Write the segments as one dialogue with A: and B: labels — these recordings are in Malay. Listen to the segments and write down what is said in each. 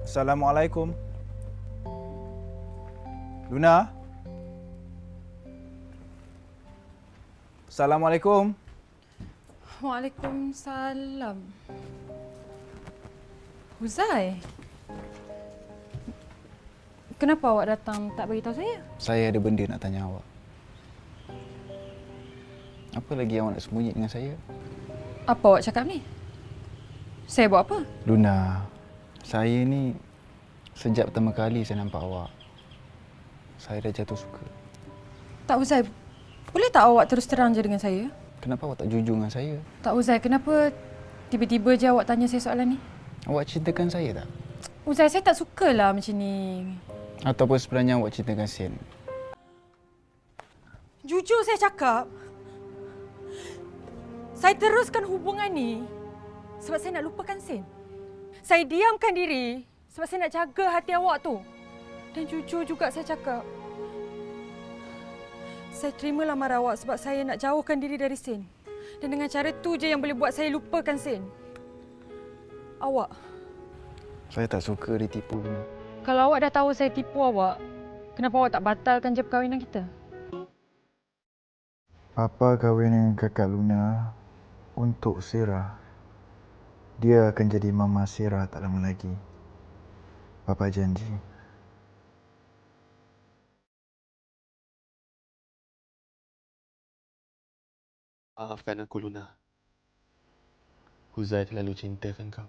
A: Assalamualaikum. Luna? Assalamualaikum.
B: Waalaikumsalam. Huzai? Kenapa awak datang tak beritahu saya?
A: Saya ada benda nak tanya awak. Apa lagi awak nak sembunyi dengan saya?
B: Apa awak cakap ni? Saya buat apa?
A: Luna, saya ni sejak pertama kali saya nampak awak, saya dah jatuh suka.
B: Tak Huzai, boleh tak awak terus terang je dengan saya?
A: Kenapa awak tak jujur dengan saya?
B: Tak Huzai, kenapa tiba-tiba je awak tanya saya soalan ni?
A: Awak cintakan saya tak?
B: Huzai, saya tak sukalah macam ni.
A: Ataupun sebenarnya awak cintakan Sin?
B: Jujur saya cakap, saya teruskan hubungan ni sebab saya nak lupakan Sin. Saya diamkan diri sebab saya nak jaga hati awak tu. Dan jujur juga saya cakap, saya terima lamaran awak sebab saya nak jauhkan diri dari Sin. Dan dengan cara tu je yang boleh buat saya lupakan Sin. Awak.
A: Saya tak suka ditipu, Luna.
B: Kalau awak dah tahu saya tipu awak, kenapa awak tak batalkan je perkahwinan kita?
A: Papa kahwin dengan kakak Luna untuk Sira. Dia akan jadi mama Sira tak lama lagi. Papa janji.
C: Maafkan aku, Luna. Huzai terlalu cintakan kau.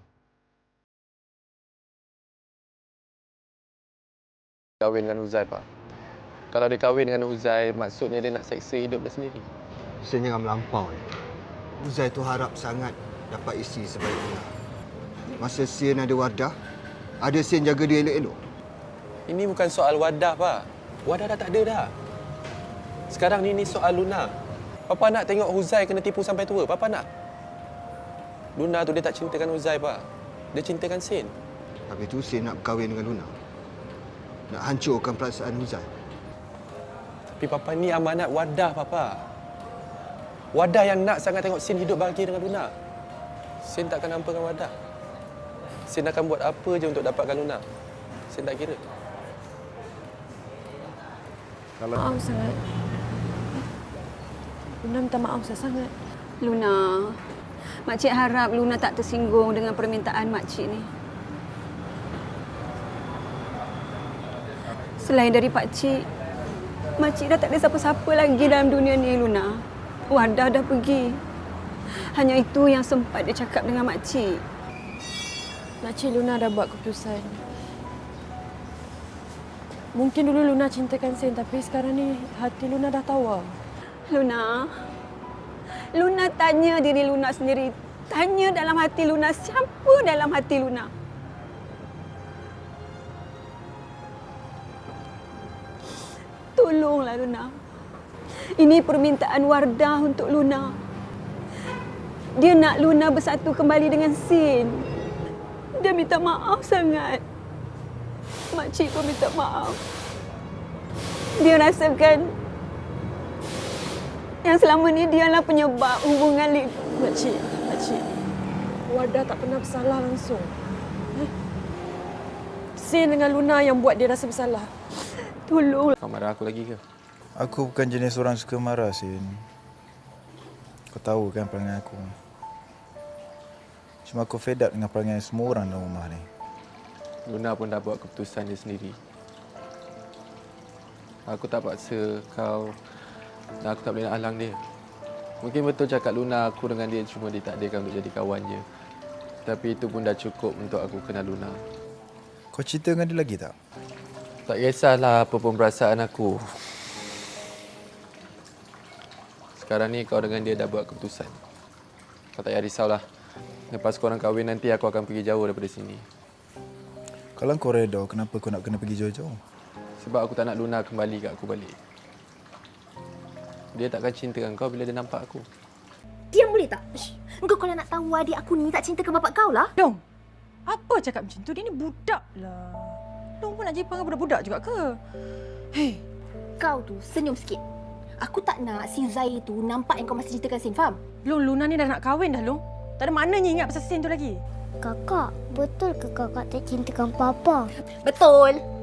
C: Kahwin dengan Huzai, Pak. Kalau dia kahwin dengan Huzai, maksudnya dia nak seksa hidup dia sendiri.
D: Sen jangan melampau. Uzai tu harap sangat dapat isteri sebaik Luna. Masa Sen ada Wardah, ada Sen jaga dia elok-elok.
C: Ini bukan soal Wadah, Pak. Wadah dah tak ada dah. Sekarang ni soal Luna. Papa nak tengok Huzai kena tipu sampai tua. Papa nak. Luna tu dia tak cintakan Huzai, Pak. Dia cintakan Sen.
D: Habis tu Sen nak berkahwin dengan Luna. Nak hancurkan perasaan Uzai.
C: Tapi Papa ni amanat Wadah, Papa. Wadah yang nak sangat tengok Sen hidup bahagia dengan Luna. Sen takkan hampakan Wadah. Sen akan buat apa je untuk dapatkan Luna. Sen tak kira.
B: Maaf sangat. Luna minta maaf sangat.
E: Luna, makcik harap Luna tak tersinggung dengan permintaan makcik ni. Selain dari pakcik, makcik dah tak ada siapa-siapa lagi dalam dunia ni, Luna. Wadah dah pergi. Hanya itu yang sempat dia cakap dengan makcik.
B: Makcik Luna dah buat keputusan. Mungkin dulu Luna cintakan Sen, tapi sekarang ni hati Luna dah tawar.
E: Luna, Luna tanya diri Luna sendiri. Tanya dalam hati Luna, siapa dalam hati Luna? Tolonglah Luna. Ini permintaan Wardah untuk Luna. Dia nak Luna bersatu kembali dengan Sin. Dia minta maaf sangat. Makcik pun minta maaf. Dia rasakan yang selama ni dialah penyebab hubungan
B: Makcik. Wardah tak pernah bersalah langsung. Sin dengan Luna yang buat dia rasa bersalah.
E: Tolong.
C: Kau marah aku lagi ke?
A: Aku bukan jenis orang suka marah, Sin. Kau tahu kan perangai aku. Cuma aku fed up dengan perangai semua orang dalam rumah ni.
C: Luna pun dah buat keputusan dia sendiri. Aku tak paksa kau dan aku tak boleh nak halang dia. Mungkin betul cakap Luna aku dengan dia cuma ditakdirkan untuk jadi kawan je. Tapi itu pun dah cukup untuk aku kenal Luna.
A: Kau cerita dengan dia lagi tak?
C: Tak kisahlah apa pun perasaan aku. Sekarang ni kau dengan dia dah buat keputusan. Kau tak payah risaulah. Lepas korang kahwin nanti aku akan pergi jauh daripada sini.
A: Kalau kau reda, kenapa kau nak kena pergi jauh-jauh?
C: Sebab aku tak nak Luna kembali kat aku balik. Dia takkan cintakan kau bila dia nampak aku.
F: Diam boleh tak? Engkau kalau nak tahu adik aku ni tak cinta ke bapak kau lah.
B: Dong, apa cakap macam tu? Dia ni budak lah. Dong pun nak jadi panggil budak-budak juga ke? Hei,
F: Kau tu senyum sikit. Aku tak nak si Zai tu nampak yang kau masih cintakan Sin, faham?
B: Long, Luna ni dah nak kahwin dah, Long. Tak ada maknanya ingat pasal Sin tu lagi.
G: Kakak, betul ke kakak tak cintakan Papa?
F: Betul.